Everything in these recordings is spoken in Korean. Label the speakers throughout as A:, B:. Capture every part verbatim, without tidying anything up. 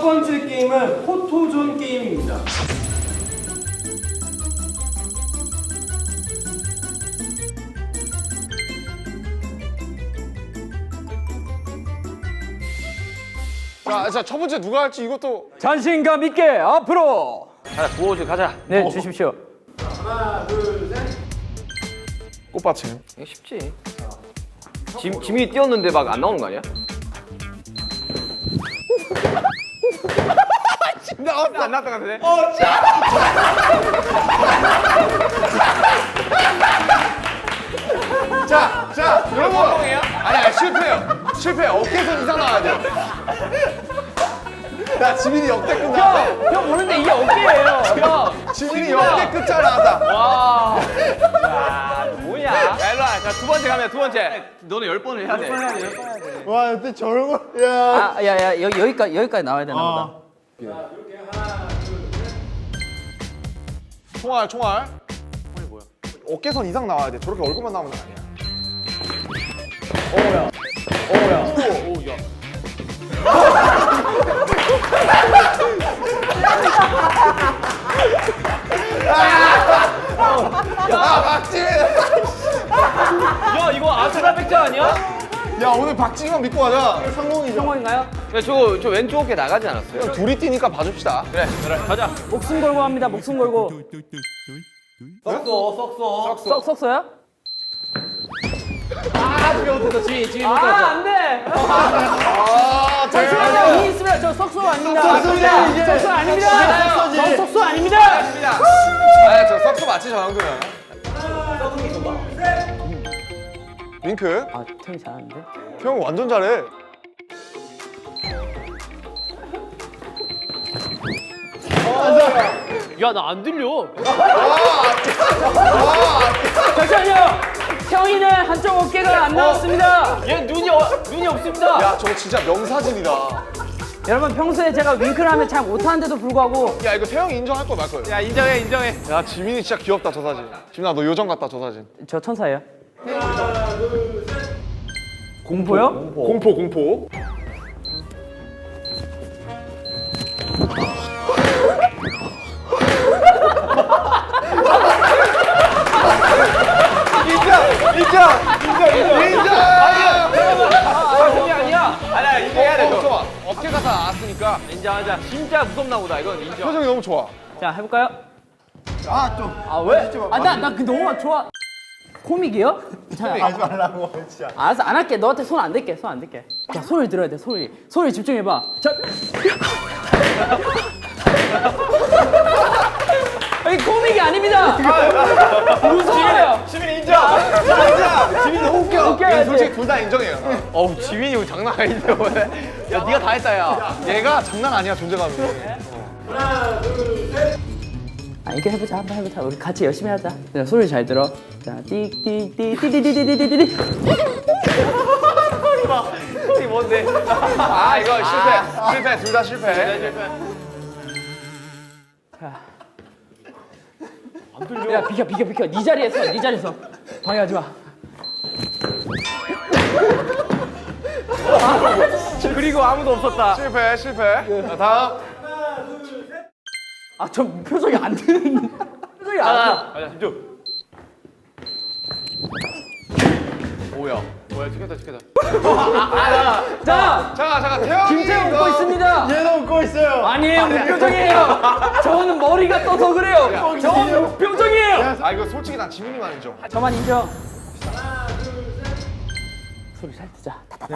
A: 번째 게임은 포토존 게임입니다.
B: 자, 자, 첫 번째 누가 할지 이것도.
C: 자신감 있게 앞으로.
D: 가자, 구호주 가자.
C: 네,
B: 어.
C: 주십시오.
A: 하나, 둘, 셋.
B: 꽃받침.
D: 이거 쉽지. 짐, 짐이 뛰었는데 막 안 나오는 거 아니야? 나왔어. 안 나왔던 것 같은데? 어,
B: 자, 자, 여러분. 아니야, 실패요. 실패. 어깨선 이상 나와야 돼요. 야, 지민이 역대급 나왔다.
C: 형 모르는데 이게 어깨예요. 형.
B: 지민이 역대급 잘 나왔다.
D: 와. 야, 뭐냐? 야, 일로 와. 자, 두 번째 가면 두 번째. 너는 열 번을 해야 돼.
B: 와, 근데 저런 거. 야.
C: 아, 야, 야, 여기 여기까지 여기까지 나와야 되나 보다.
B: 총알, 총알. 총알이 뭐야? 어깨선 이상 나와야 돼. 저렇게 얼굴만 나오는 거 아니야.
D: 오야. 오야. 오, 오, 야.
B: 야, 박지민.
D: 야, 이거 아스라 백자 아니야?
B: 야, 오늘 박지민 믿고 가자. 성공이죠.
C: 성공인가요?
D: 야, 저거 저 왼쪽 어깨 나가지 않았어요?
B: 둘이 뛰니까 봐줍시다.
D: 그래, 그래. 가자.
C: 목숨 걸고 합니다. 목숨 걸고.
D: 썩소, 썩소.
C: 썩 썩어요?
D: 아, 지금 못했어. 지금 지금
C: 아,
D: 못했어.
C: 안 돼.
B: 아,
C: 잠시만요. 이 있으면 저 썩소 아닙니다.
B: 썩소지, 이게.
C: 썩소 아닙니다.
B: 썩소지.
C: 저 썩소 아닙니다.
B: 아, 저 썩소 맞지, 저 정도면. 윙크.
C: 아, 태이 잘하는데?
B: 형 완전 잘해.
D: 야, 나 안 들려.
C: 잠시만요. 형이는 한쪽 어깨가 안 나왔습니다.
D: 얘 눈이 어, 눈이 없습니다.
B: 야, 저거 진짜 명사진이다.
C: 여러분 평소에 제가 윙크를 하면 잘 못하는데도 불구하고
B: 야, 이거 태형이 인정할 거 말 거예요.
D: 야, 인정해, 인정해.
B: 야, 지민이 진짜 귀엽다, 저 사진. 지민아, 너 요정 같다, 저 사진.
C: 저 천사예요. 공포요?
B: 공포, 공포. 인정! 인정! 인정! 인정!
D: 아, 그게 아니야. 아니야, 이거 해야 돼.
B: 어,
D: 저.
B: 좋아. 어깨가 다 나왔으니까.
D: 인정하자. 진짜 무섭나 보다. 이건 인정.
B: 표정이 너무 좋아.
C: 자 해볼까요?
B: 아, 좀.
C: 아 왜? 아나 나 그 너무 좋아. 코믹이요? 자,
B: 하지 말라고, 진짜.
C: 알았어 안 할게. 너한테 손 안 댈게. 손 안 댈게. 자 소리 들어야 돼. 소리. 소리 집중해봐. 자. 이 코믹이 아닙니다. 무서워요.
D: 지민 인정.
B: 진짜! 지민이 너무 웃겨.
C: 웃겨야지.
B: 솔직히 둘 다 인정해요.
D: 어우, 지민이 이거 장난 아닌데 오늘. 야, 네가 다 했다, 야.
B: 얘가 장난 아니야, 존재감이.
C: 아 이거 해보자. 한번 해보자. 우리 같이 열심히 하자. 자, 소리 잘 들어. 자 띡띡띡 띠디디디디디디.
D: 소리 뭔데?
B: 아, 이거 실패. 실패, 둘 다 실패.
C: 야 비켜 비켜 비켜. 네 자리에서 네 자리에서 방해하지 마.
D: 그리고 아무도 없었다.
B: 실패, 실패. 자, 다음.
C: 아 저 표정이 안 드는. 표정이 안
D: 가자, 가자, 집중. 오야. 뭐야, 지켰다, 지켰다.
C: 드. 자
B: 잠깐, 잠깐, 태형이.
C: 김태형
B: 이거-
C: 웃고 있습니다.
B: 얘도 웃고 있어요.
C: 아니에요 무표정이에요. 저는 머리가 떠서 그래요. 저는 무표정이에요.
B: 아, 이거 솔직히 난 지민이만 인정.
C: 저만 인정. 소리 잘 듣자.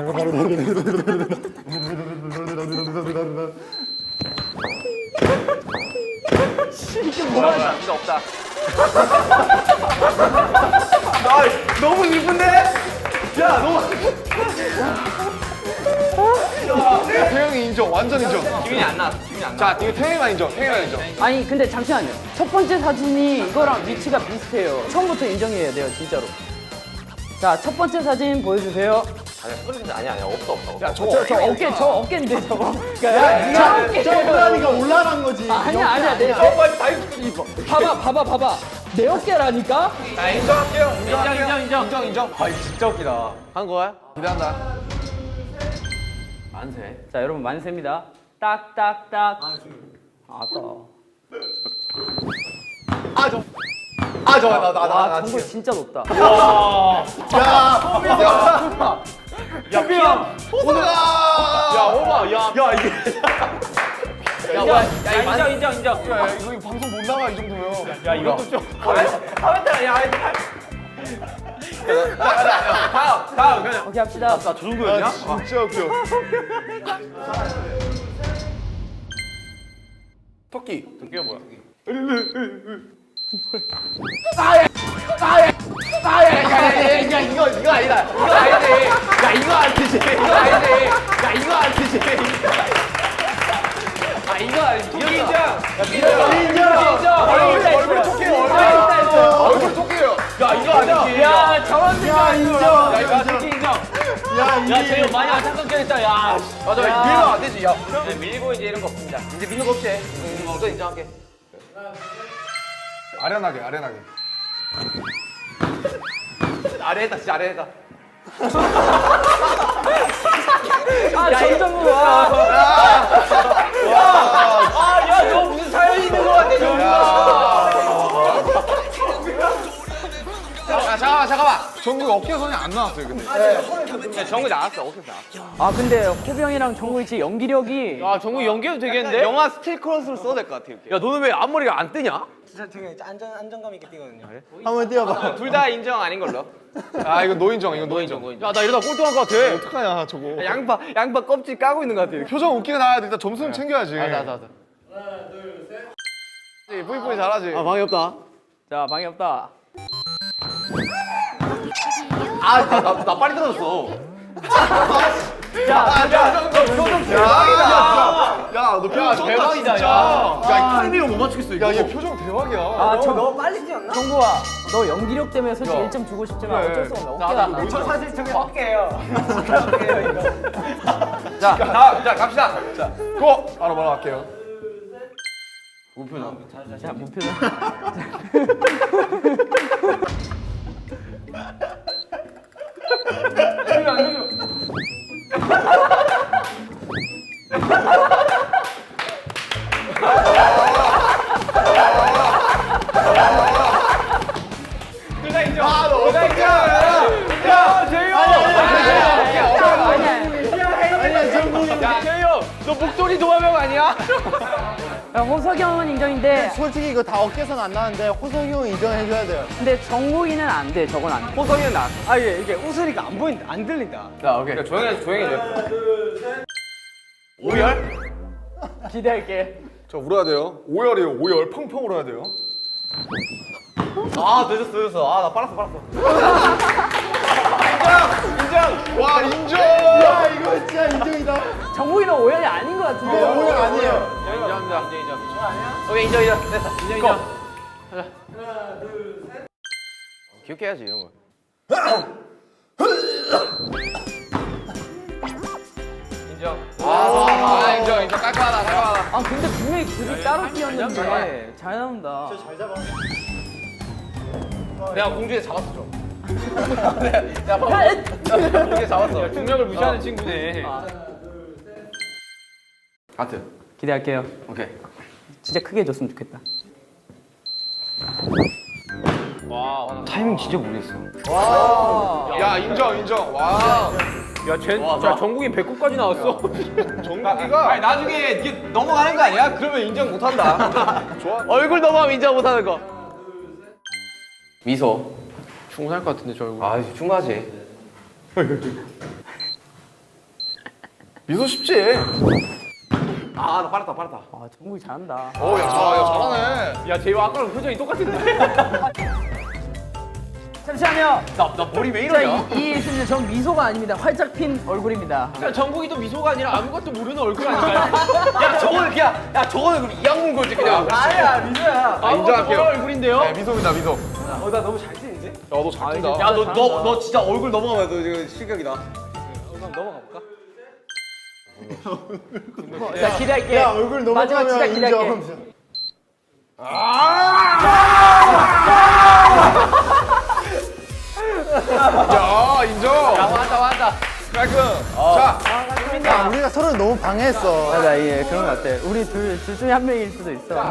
D: 뭐야, 진짜 없다. 나 너무 슬픈데? 야, 너무.
B: 태형이 인정, 완전 인정.
D: 지민이 안 나왔어, 지민이 안 나왔어.
B: 자, 이거 태형이만 인정, 태형이만 인정.
C: 아니 근데 잠시만요. 첫 번째 사진이 이거랑 위치가 비슷해요. 처음부터 인정해야 돼요 진짜로. 자 첫 번째 사진 보여주세요.
D: 아니야, 소리 아니야, 아니야. 없어, 없어. 없어.
B: 야, 저거
C: 저, 저 어깨 저 어깨인데 저거. 그러니까 저 어깨.
B: 올라가니까 올라간 거지.
C: 아니야 아니야 내.
D: 어, 빨리 다 입고.
C: 봐봐 봐봐 봐봐. 내 어깨라니까.
B: 자, 인정할게요.
D: 인정, 인정, 인정.
B: 인정, 인정.
D: 아, 이거 진짜 웃기다. 한 거야?
B: 기대한다.
D: 만세.
C: 자 여러분 만세입니다. 딱딱딱. 아까.
B: 아저아저나나나
C: 와, 정글 진짜 높다.
B: 야 피야 호수가 야 오바 야야 이게
D: 야, 야, 야, 인정, 인정, 인정.
B: 야, 야 이거 방송 못 나가 이 정도면
D: 야, 이것도 좀. 하면다, 야, 다음, 다음, 그냥.
C: 오케이, 합시다.
D: 저 정도였냐?
B: 아, 진짜 웃겨 토끼
D: 도끼가 뭐야?
B: 야야야 이거 이거 아니다 이거 아니지 야 이거 아니지 이거 아니지 야 이거 아니지 아 이거 아니지
D: 도끼 인정.
B: 인정
D: 인정.
B: 얼굴
C: 있다,
B: 얼굴
C: 있어요.
B: 토끼예요
C: 있다, 있다, 있어요.
B: 얼굴 얼굴 토끼예요 야 이거 아니지
D: 야, 저런 생각
B: 인정.
D: 야, 이거 도끼 인정. 야, 쟤 많이 안타깝겠다, 야.
B: 맞아 밀면 안 되지 야
D: 이제 밀고 이제 이런 거 없습니다. 이제 밀는 거 없지? 응, 또 인정할게.
B: 아련하게 아련하게
D: 아래에다, 진짜 아래에다.
C: 아, 점점 와.
D: 아, 야, 너 무슨 사연이 있는 거 같아, 정우가.
B: 야 잠깐만 잠깐만 정국 어깨선이 안 나왔어요 근데
D: 야, 정우 나왔어, 오케이, 나왔어.
C: 아, 근데 호병이랑 정국이 진짜 연기력이.
D: 야, 정우 연기해도 되겠는데? 영화 스틸 크로스로 써도 될 것 같아, 이렇게. 야, 너는 왜 앞머리가 안 뜨냐?
E: 진짜 되게 안전 안정감 있게 뛰거든요.
B: 한번 뛰어봐
D: 둘 다 인정 아닌 걸로.
B: 아 이거 노인정 이거 노인정
D: 야, 나 이러다 꼴등할 것 같아.
B: 어떡하냐 저거
D: 야, 양파, 양파 껍질 까고 있는 것 같아. 이렇게.
B: 표정 웃기게 나와야 돼 일단 점수는 챙겨야지
D: 맞아, 맞아, 맞아.
B: 뿌이뿌이 잘하지
D: 방이 없다.
C: 자, 방이 없다.
D: 아, 나, 나, 나 빨리 떨어졌어.
B: 야야너 표정 대박이다 야너 표정
D: 대박이다,
B: 진짜
D: 야. 야, 이 타이밍을 못 맞추겠어, 이거.
B: 야얘 표정 대박이야
C: 아, 저
E: 너무 빨리 뛰었나?
C: 정국아, 너 연기력 때문에 솔직히
B: 야.
C: 일 점 주고 싶지만
B: 그래.
C: 어쩔 수 없네. 어깨가 안
E: 저
C: 나와.
E: 사실 저게 어깨예요. 어깨예요 이거.
D: 자, 다음, 자, 갑시다. 자,
B: 고! 바로 바로 갈게요
C: 자, 목표는.
D: 둘다 인정.
B: 아, 너
D: 둘다 인정. 야, 재유. 야, 재유, 너 목도리 도마뱀 아니야?
C: 야, 호석이 형은 인정인데,
E: 솔직히 이거 다 어깨선 안 나는데 호석이 형 인정해줘야 돼요.
C: 근데 정국이는 안 돼. 저건 안 돼.
D: 호성이는 나.
E: 아 이게 이게 웃으니까 안 보인다, 안 들린다.
D: 자, 오케이. 조용히 해, 조용히 해. 오열?
C: 기대할게.
B: 저 울어야 돼요 오열이에요 오열 펑펑 울어야 돼요
D: 아, 늦었어, 늦었어. 아, 나 빨았어, 빨았어. 인정,
B: 와 인정
E: 야 이거 진짜 인정이다.
C: 정국이는 오열이 아닌 것 같은데.
E: 오열 아니에요.
D: 인정. 인정합니다. 인정, 인정. 아니야? 오케이, 인정, 인정. 됐어. 인정, 인정. 가자. 하나, 둘, 셋. 귀엽게 해야지, 이런 거. 인정.
B: 아 인정 인정 깔끔하다 깔끔하다
C: 아, 근데 분명히 둘이 따로 뛰었는데 잘 나온다.
D: 내가 공주에 잡았어, 좀. 내가 방금 공주에 잡았어. 중력을 무시하는 친구네. 하트.
C: 기대할게요.
D: 오케이.
C: 진짜 크게 해줬으면 좋겠다.
D: 와, 타이밍 진짜 모르겠어.
B: 야 인정 인정 와
D: 야, 쟤, 자, 전국인 배꼽까지 나왔어.
B: 정국이가
D: 아니, 나중에 이게 넘어가는 거 아니야? 그러면 인정 못 한다.
B: 좋아
D: 얼굴 넘어가면 인정 못 하는 거. 미소. 충분할 것 같은데, 저 얼굴. 아, 충분하지.
B: 미소 쉽지
D: 아, 나 빨았다, 빨았다.
C: 아, 정국이 잘한다.
B: 어야 야, 잘하네
D: 야, 쟤 아까랑 표정이 똑같은데?
C: 잠시만요.
D: 나, 나 머리 왜
C: 자,
D: 이러냐?
C: 이, 이 있습니다. 전 미소가 아닙니다. 활짝 핀 얼굴입니다.
D: 야, 정국이도 미소가 아니라 아무것도 모르는 얼굴 아닌가요? 야, 저거는 그냥, 야, 저거는 그냥 이악문 거지, 그냥.
E: 아니야 미소야.
D: 아무것도
B: 인정할게요.
D: 모르는 얼굴인데요?
B: 네 미소입니다 미소
E: 어 나 너무 잘 뛰는데?
B: 야너 잘 뛴다
D: 야, 너, 너, 너 진짜 얼굴 넘어가면 너 지금 실격이다.
E: 그럼 넘어가 볼까?
C: 자, 기대할게.
E: 야 얼굴
C: 마지막 진짜
E: 넘어가면
C: 기대할게.
E: 인정.
B: 야 인정
D: 야, 맞다, 맞다.
B: 깔끔 자 했냐?
E: 우리가 서로 너무 방해했어.
C: 맞아, 예, 그런 것 같아. 우리 둘, 둘 중에 한 명일 수도 있어.